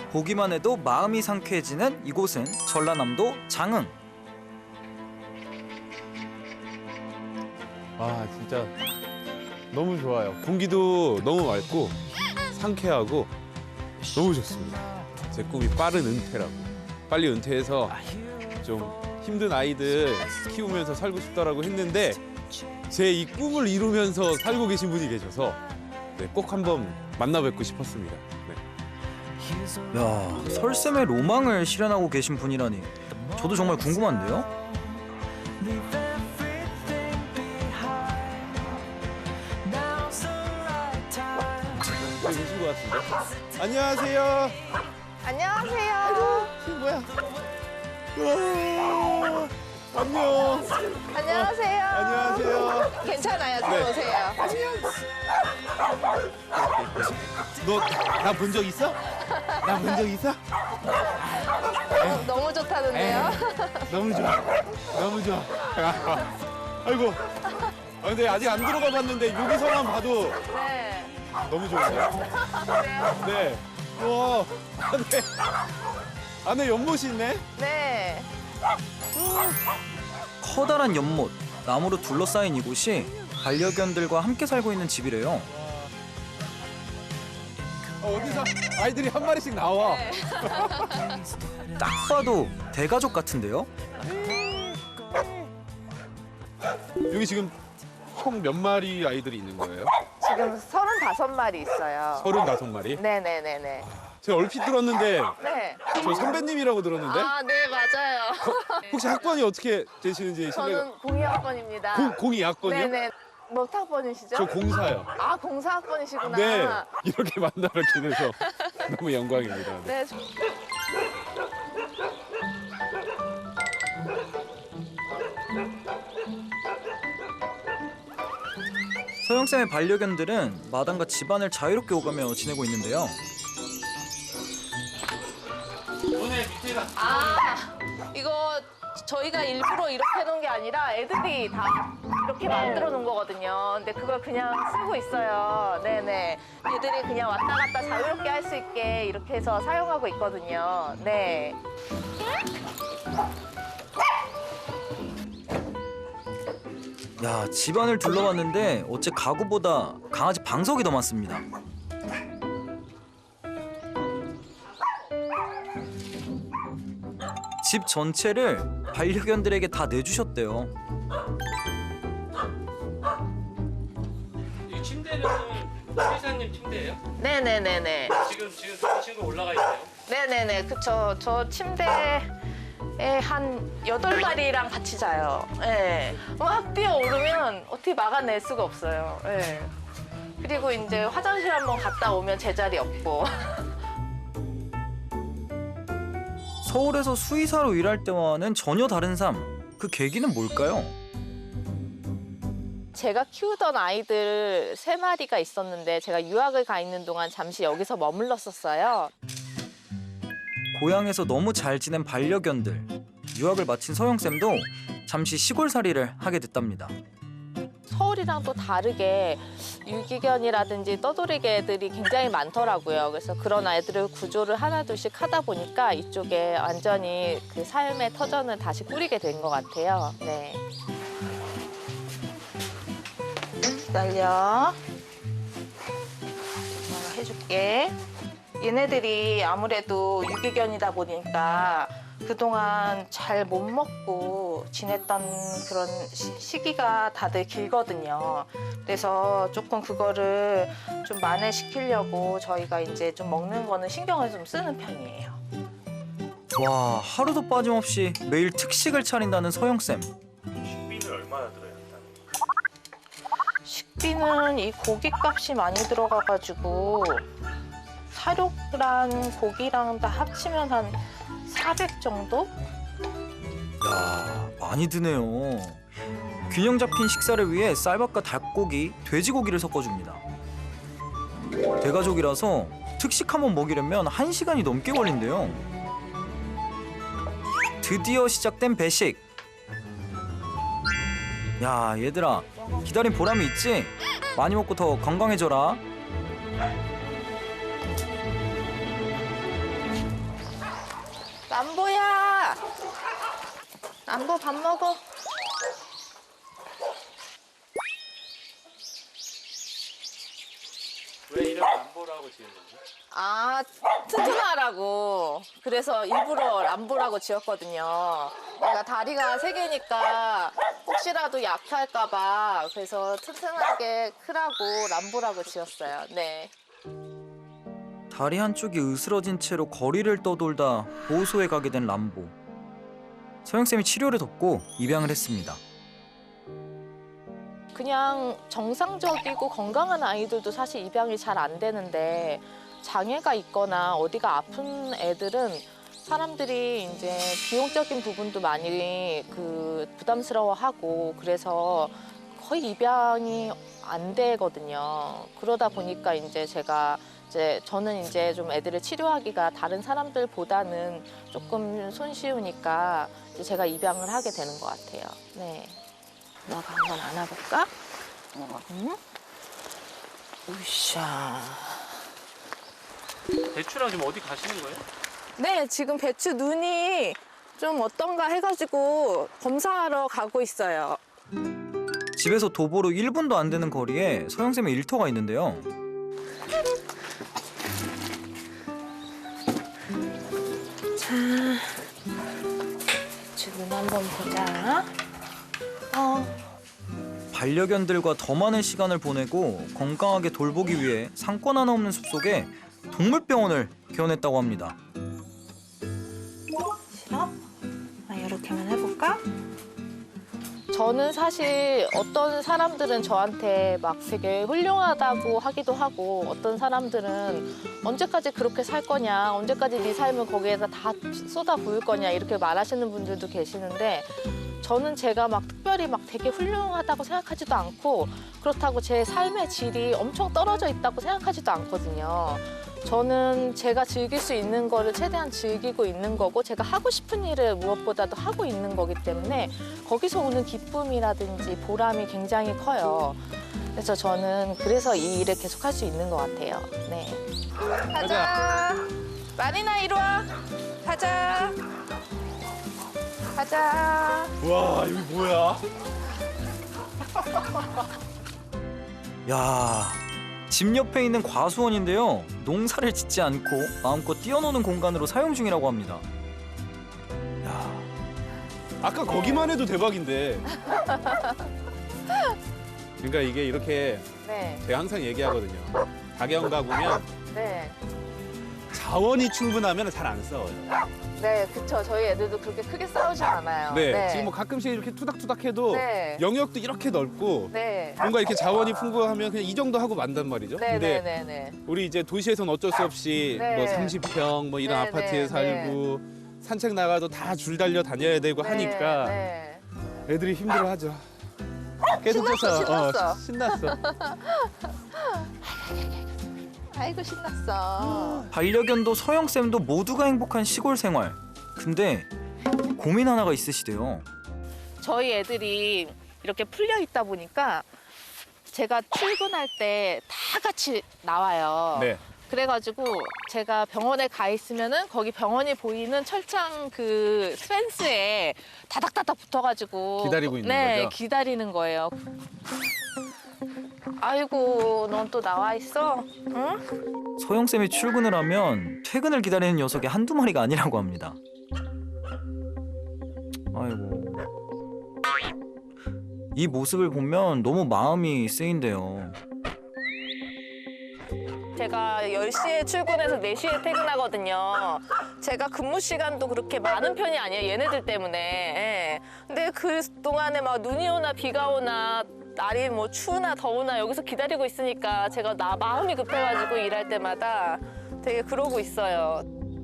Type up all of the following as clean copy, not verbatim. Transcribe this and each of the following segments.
보기만 해도 마음이 상쾌해지는 이곳은 전라남도 장흥. 아 진짜 너무 좋아요. 공기도 너무 맑고 상쾌하고 너무 좋습니다. 제 꿈이 빠른 은퇴라고. 빨리 은퇴해서 좀 힘든 아이들 키우면서 살고 싶다라고 했는데 제 이 꿈을 이루면서 살고 계신 분이 계셔서 네, 꼭 한번 만나 뵙고 싶었습니다. 네. 야, 설쌤의 로망을 실현하고 계신 분이라니 저도 정말 궁금한데요? 여기 계신 것 같은데? 안녕하세요. 안녕하세요. 이게 뭐야? 우와, 안녕. 안녕하세요. 안녕하세요. 괜찮아요. 네. 들어오세요. 너 나 본 적 있어? 나 본 적 있어? 너무 좋다는데요. 너무 좋아. 너무 좋아. 아이고. 아, 근데 아직 안 들어가 봤는데 여기서만 봐도 네. 너무 좋은데요? 네. 와, 안에 연못이 있네? 네. 커다란 연못, 나무로 둘러싸인 이곳이 반려견들과 함께 살고 있는 집이래요. 어디서 아이들이 한 마리씩 나와. 네. 딱 봐도 대가족 같은데요? 여기 지금 총 몇 마리 아이들이 있는 거예요? 지금 35마리 있어요. 35마리? 네네네네. 제가 얼핏 들었는데 네. 저 선배님이라고 들었는데 아, 네, 맞아요. 혹시 학번이 어떻게 되시는지 실례가. 저는 02학번입니다. 02학번이요? 네네. 몇 학번이시죠? 저 04요. 아, 04학번이시구나. 네, 이렇게 만나뵙게 돼서 너무 영광입니다. 네. 네. 서영쌤의 반려견들은 마당과 집안을 자유롭게 오가며 지내고 있는데요. 아, 이거 저희가 일부러 이렇게 해놓은 게 아니라 애들이 다 이렇게 만들어 놓은 거거든요. 근데 그걸 그냥 쓰고 있어요. 네네. 애들이 그냥 왔다 갔다 자유롭게 할 수 있게 이렇게 해서 사용하고 있거든요. 네. 야, 집안을 둘러봤는데 어째 가구보다 강아지 방석이 더 많습니다. 집 전체를 반려견들에게 다 내주셨대요. 이 침대는 회사님 침대예요? 네네네네. 지금 저 친구 올라가 있어요. 네네네. 그쵸. 저 침대에 한 8마리랑 같이 자요. 예. 막 뛰어오르면 어떻게 막아낼 수가 없어요. 예. 그리고 이제 화장실 한번 갔다 오면 제자리 없고. 서울에서 수의사로 일할 때와는 전혀 다른 삶. 그 계기는 뭘까요? 제가 키우던 아이들 3마리가 있었는데 제가 유학을 가 있는 동안 잠시 여기서 머물렀었어요. 고향에서 너무 잘 지낸 반려견들. 유학을 마친 서영쌤도 잠시 시골살이를 하게 됐답니다. 서울이랑 또 다르게 유기견이라든지 떠돌이개들이 굉장히 많더라고요. 그래서 그런 아이들을 구조를 하나둘씩 하다 보니까 이쪽에 완전히 그 삶의 터전을 다시 꾸리게 된 것 같아요. 네. 기다려. 해줄게. 얘네들이 아무래도 유기견이다 보니까 그동안 잘 못 먹고 지냈던 그런 시기가 다들 길거든요. 그래서 조금 그거를 좀 만회시키려고 저희가 이제 좀 먹는 거는 신경을 좀 쓰는 편이에요. 와, 하루도 빠짐없이 매일 특식을 차린다는 서영쌤. 식비는 얼마나 들어요? 식비는 이 고기값이 많이 들어가가지고 사료랑 고기랑 다 합치면 한 400 정도? 야, 많이 드네요. 균형 잡힌 식사를 위해 쌀밥과 닭고기, 돼지고기를 섞어줍니다. 대가족이라서 특식 한번 먹이려면 1시간이 넘게 걸린대요. 드디어 시작된 배식. 야, 얘들아, 기다린 보람이 있지? 많이 먹고 더 건강해져라. 람보야. 람보 밥 먹어. 왜 이름 람보라고 지은 거죠? 아, 튼튼하라고. 그래서 일부러 람보라고 지었거든요. 내가 다리가 3개니까 혹시라도 약할까봐 그래서 튼튼하게 크라고 람보라고 지었어요. 네. 다리 한쪽이 으스러진 채로 거리를 떠돌다 보호소에 가게 된 람보. 서영쌤이 치료를 돕고 입양을 했습니다. 그냥 정상적이고 건강한 아이들도 사실 입양이 잘 안 되는데 장애가 있거나 어디가 아픈 애들은 사람들이 이제 비용적인 부분도 많이 부담스러워하고 그래서 거의 입양이 안 되거든요. 그러다 보니까 저는 이제 좀 애들을 치료하기가 다른 사람들보다는 조금 손쉬우니까 이제 제가 입양을 하게 되는 것 같아요. 네. 너가 한번 안아볼까? 응? 으쌰. 배추랑 지금 어디 가시는 거예요? 네, 지금 배추 눈이 좀 어떤가 해가지고 검사하러 가고 있어요. 집에서 도보로 1분도 안 되는 거리에 서영쌤의 일터가 있는데요. 자, 배추 눈 한번 보자. 반려견들과 더 많은 시간을 보내고 건강하게 돌보기 위해 상권 하나 없는 숲속에 동물병원을 개원했다고 합니다. 싫어? 이렇게만 해볼까? 저는 사실 어떤 사람들은 저한테 막 되게 훌륭하다고 하기도 하고 어떤 사람들은 언제까지 그렇게 살 거냐, 언제까지 네 삶을 거기에다 다 쏟아 부을 거냐 이렇게 말하시는 분들도 계시는데 저는 제가 막 특별히 막 되게 훌륭하다고 생각하지도 않고 그렇다고 제 삶의 질이 엄청 떨어져 있다고 생각하지도 않거든요. 저는 제가 즐길 수 있는 거를 최대한 즐기고 있는 거고 제가 하고 싶은 일을 무엇보다도 하고 있는 거기 때문에 거기서 오는 기쁨이라든지 보람이 굉장히 커요. 그래서 저는 그래서 이 일을 계속 할 수 있는 것 같아요. 네. 가자. 마리나 이리 와. 가자. 가자. 와, 여기 뭐야? 야, 집 옆에 있는 과수원인데요. 농사를 짓지 않고 마음껏 뛰어노는 공간으로 사용 중이라고 합니다. 야, 아까 거기만 해도 대박인데. 그러니까 이게 이렇게 네. 제가 항상 얘기하거든요. 가게원 가보면 네. 자원이 충분하면 잘 안 싸워요. 네, 그쵸. 저희 애들도 그렇게 크게 싸우지 않아요. 네, 지금 뭐 가끔씩 이렇게 투닥투닥해도 네. 영역도 이렇게 넓고 네. 뭔가 이렇게 자원이 풍부하면 그냥 이 정도 하고 만단 말이죠. 네, 근데 네, 네, 네. 우리 이제 도시에서는 어쩔 수 없이 네. 뭐 30평 뭐 이런 네, 아파트에 네, 살고 산책 나가도 다 줄 달려 다녀야 되고 하니까 네. 애들이 힘들어하죠. 신났어. 신났어. 아이고, 신났어. 반려견도 서영쌤도 모두가 행복한 시골 생활. 근데 고민 하나가 있으시대요. 저희 애들이 이렇게 풀려 있다 보니까 제가 출근할 때 다 같이 나와요. 네. 그래가지고 제가 병원에 가 있으면은 거기 병원이 보이는 철창 그 펜스에 다닥다닥 붙어가지고 기다리고 있는 네, 거죠? 기다리는 거예요. 아이고, 넌 또 나와 있어? 응? 서영쌤이 출근을 하면 퇴근을 기다리는 녀석이 한두 마리가 아니라고 합니다. 아이고. 이 모습을 보면 너무 마음이 쓰인대요. 제가 10시에 출근해서 4시에 퇴근하거든요. 제가 근무 시간도 그렇게 많은 편이 아니에요. 얘네들 때문에. 예. 근데 그 동안에 막 눈이 오나 비가 오나 날이 뭐 추우나 더우나 여기서 기다리고 있으니까 제가 마음이 급해가지고 일할 때마다 되게 그러고 있어요.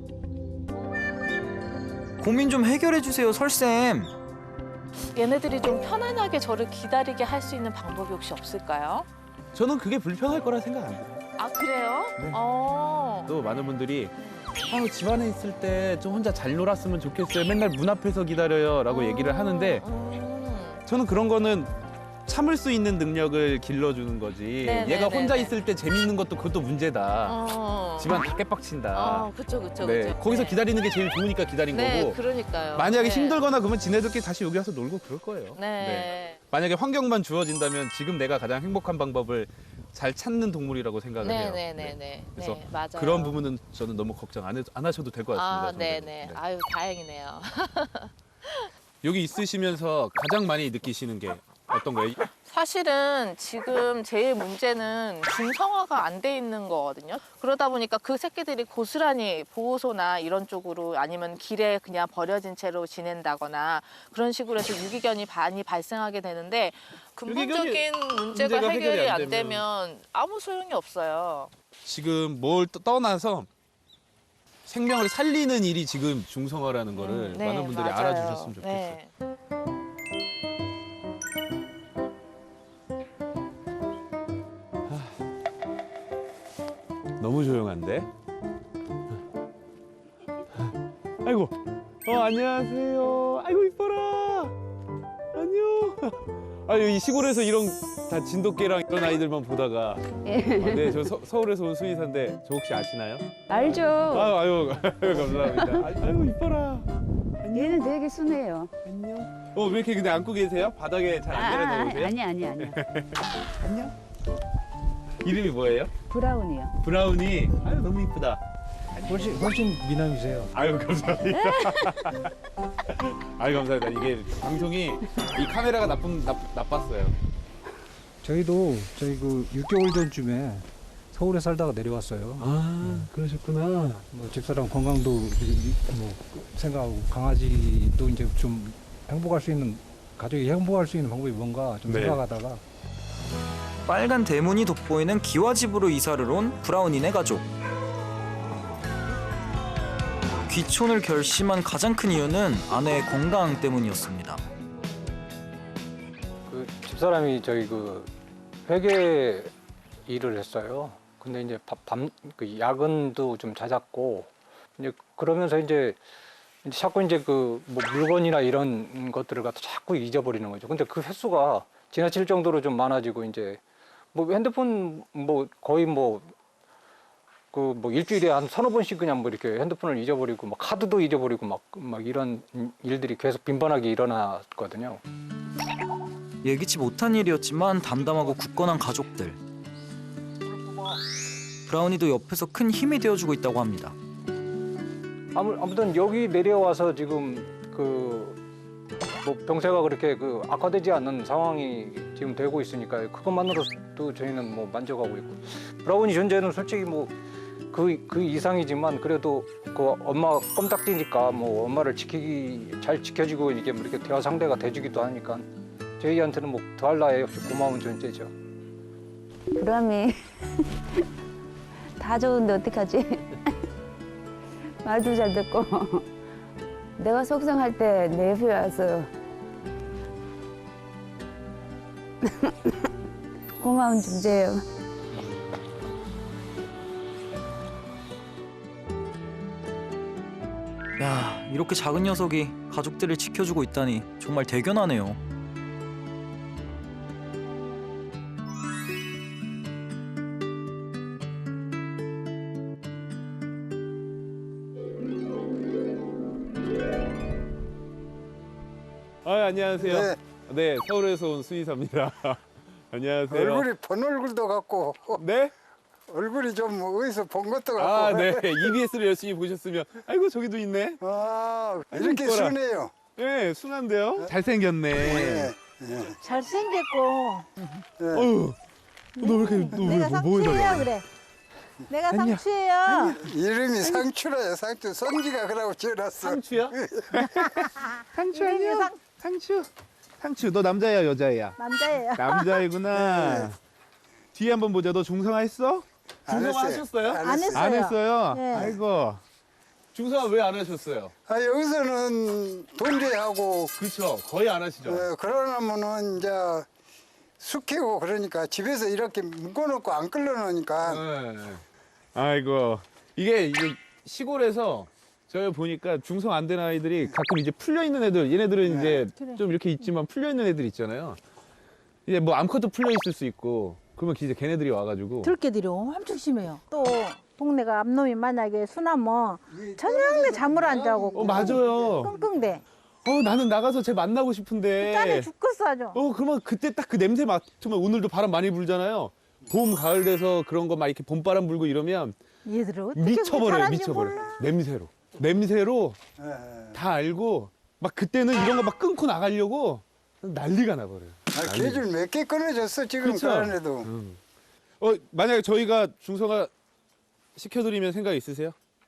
고민 좀 해결해 주세요, 설쌤. 얘네들이 좀 편안하게 저를 기다리게 할 수 있는 방법이 혹시 없을까요? 저는 그게 불편할 거라 생각 안 해요. 아, 그래요? 네. 어. 또 많은 분들이 집안에 있을 때 좀 혼자 잘 놀았으면 좋겠어요. 맨날 문 앞에서 기다려요라고 얘기를 하는데 저는 그런 거는 참을 수 있는 능력을 길러주는 거지. 네, 얘가 네, 혼자 네, 있을 때 재밌는 것도 그것도 문제다. 집안 다 깨빡친다. 그쵸, 그쵸, 네, 그쵸. 거기서 네. 기다리는 게 제일 좋으니까 기다린 네, 거고. 그러니까요. 만약에 네. 힘들거나 그러면 지네들끼리 다시 여기 와서 놀고 그럴 거예요. 네. 만약에 환경만 주어진다면 지금 내가 가장 행복한 방법을 잘 찾는 동물이라고 생각을 해요. 네네네네. 그래서 네, 맞아요. 그런 부분은 저는 너무 걱정 안 하셔도 될 것 같습니다. 아, 네네. 선생님. 네. 아유, 다행이네요. 여기 있으시면서 가장 많이 느끼시는 게 어떤 거예요? 사실은 지금 제일 문제는 중성화가 안 돼 있는 거거든요. 그러다 보니까 그 새끼들이 고스란히 보호소나 이런 쪽으로 아니면 길에 그냥 버려진 채로 지낸다거나 그런 식으로 해서 유기견이 많이 발생하게 되는데 근본적인 문제가 해결이 안 되면 아무 소용이 없어요. 지금 뭘 떠나서 생명을 살리는 일이 지금 중성화라는 거를 네, 많은 분들이 맞아요. 알아주셨으면 좋겠어요. 네. 너무 조용한데? 아이고, 안녕하세요. 아이고 이뻐라. 안녕. 아유 이 시골에서 이런 다 진돗개랑 이런 아이들만 보다가 네, 저 서울에서 온 수의사인데 저 혹시 아시나요? 알죠. 아유 감사합니다. 아유 이뻐라. 얘는 되게 순해요. 안녕. 왜 이렇게 근데 안고 계세요? 바닥에 잘 안 내려놓으세요? 아니. 안녕. 이름이 뭐예요? 브라운이요. 브라우니. 아유 너무 이쁘다. 훨씬 미남이세요. 아유 감사합니다. 아유 감사합니다. 이게 방송이 이 카메라가 나빴어요. 저희도 저희 그 6개월 전쯤에 서울에 살다가 내려왔어요. 아 그러셨구나. 뭐 집사람 건강도 뭐 생각하고 강아지도 이제 좀 행복할 수 있는 가족이 행복할 수 있는 방법이 뭔가 좀 네. 생각하다가 빨간 대문이 돋보이는 기와집으로 이사를 온 브라운이네 가족. 귀촌을 결심한 가장 큰 이유는 아내의 건강 때문이었습니다. 그 집사람이 저희 그 회계 일을 했어요. 근데 이제 그 야근도 좀 잦았고 이제 그러면서 이제 자꾸 이제 그 뭐 물건이나 이런 것들을 갖다 자꾸 잊어버리는 거죠. 근데 그 횟수가 지나칠 정도로 좀 많아지고 이제 뭐 핸드폰 뭐 거의 뭐 그 뭐 일주일에 한 서너 번씩 그냥 뭐 이렇게 핸드폰을 잊어버리고 막 카드도 잊어버리고 막 이런 일들이 계속 빈번하게 일어났거든요. 예기치 못한 일이었지만 담담하고 굳건한 가족들. 브라운이도 옆에서 큰 힘이 되어주고 있다고 합니다. 아무튼 여기 내려와서 지금 그 뭐 병세가 그렇게 그 악화되지 않는 상황이 지금 되고 있으니까 그것만으로도 저희는 뭐 만족하고 있고 브라운이 존재는 솔직히 뭐 그 이상이지만 그래도 그 엄마 껌딱지니까 뭐 엄마를 잘 지켜주고 이게 뭐 이렇게 대화 상대가 돼주기도 하니까 저희한테는 뭐 더할 나위 없이 고마운 존재죠. 브라미 다 좋은데 어떡하지? 말도 잘 듣고 내가 속상할 때 내 옆에 와서 고마운 존재예요. 야, 이렇게 작은 녀석이 가족들을 지켜주고 있다니 정말 대견하네요. 안녕하세요. 네. 네, 서울에서 온 수의사입니다. 안녕하세요. 얼굴이 본 얼굴도 같고 네? 얼굴이 좀 어디서 본 것도 같고 아, 네. EBS를 열심히 보셨으면 아이고 저기도 있네. 아, 아이고, 이렇게 이뻐라. 순해요. 네, 순한데요? 잘생겼네. 네. 잘생겼고 어휴, 너 왜 이렇게 내가 상추예요 그래. 내가 상추예요. 이름이 상추라요. 상추. 손지가 그러고 지어놨어. 상추야? 상추 이름이 아니야? 상추. 상추, 너 남자야 여자야? 남자예요. 남자이구나. 뒤에 한번 보자. 너 중성화 했어? 안 중성화 했어요. 하셨어요? 안 했어요. 안 했어요? 네. 아이고. 중성화 왜 안 하셨어요? 아, 여기서는 돈제하고 그렇죠. 거의 안 하시죠? 그러려면은 이제 숙회고 그러니까 집에서 이렇게 묶어놓고 안 끌어놓으니까 네. 아이고. 이게 시골에서 저희 보니까 중성 안 된 아이들이 가끔 이제 풀려 있는 애들, 얘네들은 이제 그래. 좀 이렇게 있지만 풀려 있는 애들 있잖아요. 이제 뭐 암컷도 풀려 있을 수 있고 그러면 이제 걔네들이 와가지고 들깨들이 엄청 심해요. 또 동네가 암놈이 만약에 순하면 저녁에 잠을 안 자고 맞아요. 끙끙대. 나는 나가서 쟤 만나고 싶은데 짠해 죽겠어 아주. 그러면 그때 딱 그 냄새 맡으면 오늘도 바람 많이 불잖아요. 봄 가을 돼서 그런 거 막 이렇게 봄바람 불고 이러면 얘들은 어떻게 미쳐버려요. 잘하는지 미쳐버려. 몰라. 냄새로 예. 다 알고 막 그때는 이런 거 막 끊고 나가려고 난리가 나버려요. 개줄 몇 개 끊어졌어 지금 그쵸? 그안에도. 만약에 저희가 중성화 시켜드리면 생각 있으세요?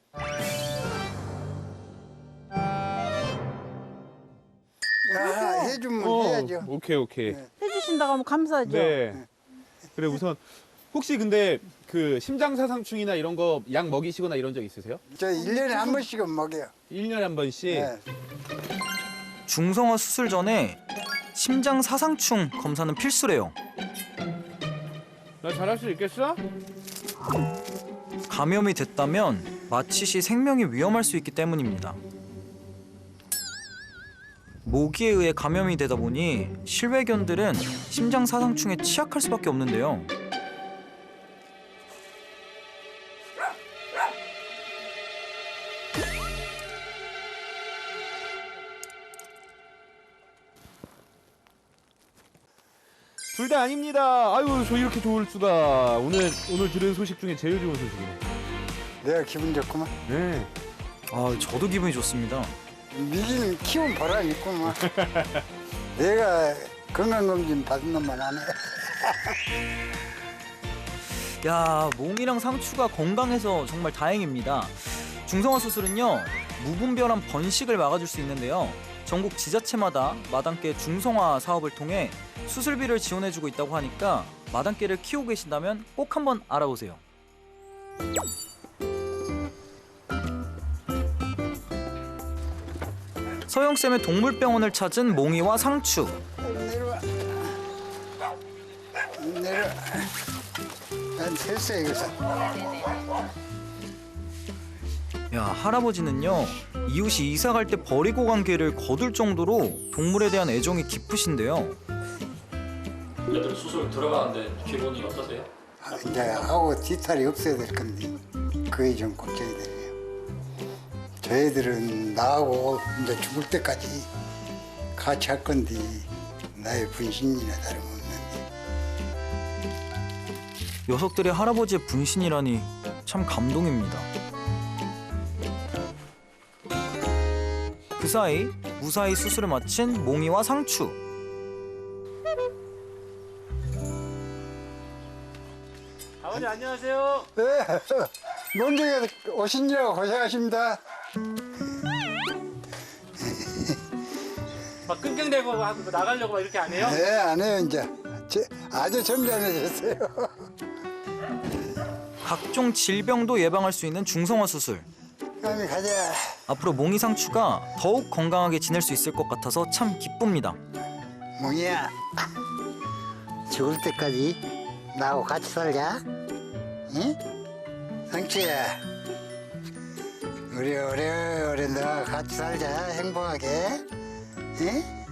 해주면 해야죠. 오케이. 해주신다고 하면 감사하죠. 네. 그래 우선 혹시 근데 그 심장사상충이나 이런 거 약 먹이시거나 이런 적 있으세요? 저 1년에 한 번씩은 먹여요. 1년에 한 번씩? 네. 중성화 수술 전에 심장 사상충 검사는 필수래요. 나 잘할 수 있겠어? 감염이 됐다면 마취 시 생명이 위험할 수 있기 때문입니다. 모기에 의해 감염이 되다 보니 실외견들은 심장 사상충에 취약할 수밖에 없는데요. 둘 다 아닙니다. 아유 저 이렇게 좋을 수가. 오늘 들은 소식 중에 제일 좋은 소식이네. 내가 기분 좋구만. 네. 저도 기분이 좋습니다. 미기는 키운 보람 있구만. 내가 건강검진 받은 놈만 안 해. 야, 몽이랑 상추가 건강해서 정말 다행입니다. 중성화 수술은요, 무분별한 번식을 막아줄 수 있는데요. 전국 지자체마다 마당개 중성화 사업을 통해 수술비를 지원해주고 있다고 하니까 마당개를 키우고 계신다면 꼭 한번 알아보세요. 서영쌤의 동물병원을 찾은 몽이와 상추. 내려와. 내려와. 난 됐어 여기서. 야, 할아버지는요, 이웃이 이사 갈 때 버리고 간 개를 거둘 정도로 동물에 대한 애정이 깊으신데요. 애들 수술 들어가는데 기분이 어떠세요? 이제 하고 뒤탈이 없어야 될 건데 그게 좀 걱정이 되네요. 저희들은 나하고 이제 죽을 때까지 같이 할 건데 나의 분신이나 다름없는데. 녀석들이 할아버지의 분신이라니 참 감동입니다. 그 사이 무사히 수술을 마친 몽이와 상추. 아버님 안녕하세요. 네, 먼저 오신지라고 고생하십니다. 막 끙끙대고 하고 나가려고 막 이렇게 안 해요? 네, 안 해요 이제. 아주 점잖해졌어요. 각종 질병도 예방할 수 있는 중성화 수술. 그럼 가자. 앞으로 몽이 상추가 더욱 건강하게 지낼 수 있을 것 같아서 참 기쁩니다. 몽이야, 죽을 때까지 나하고 같이 살자. 응? 상추야, 우리 오래오래 너와 같이 살자. 행복하게. 응?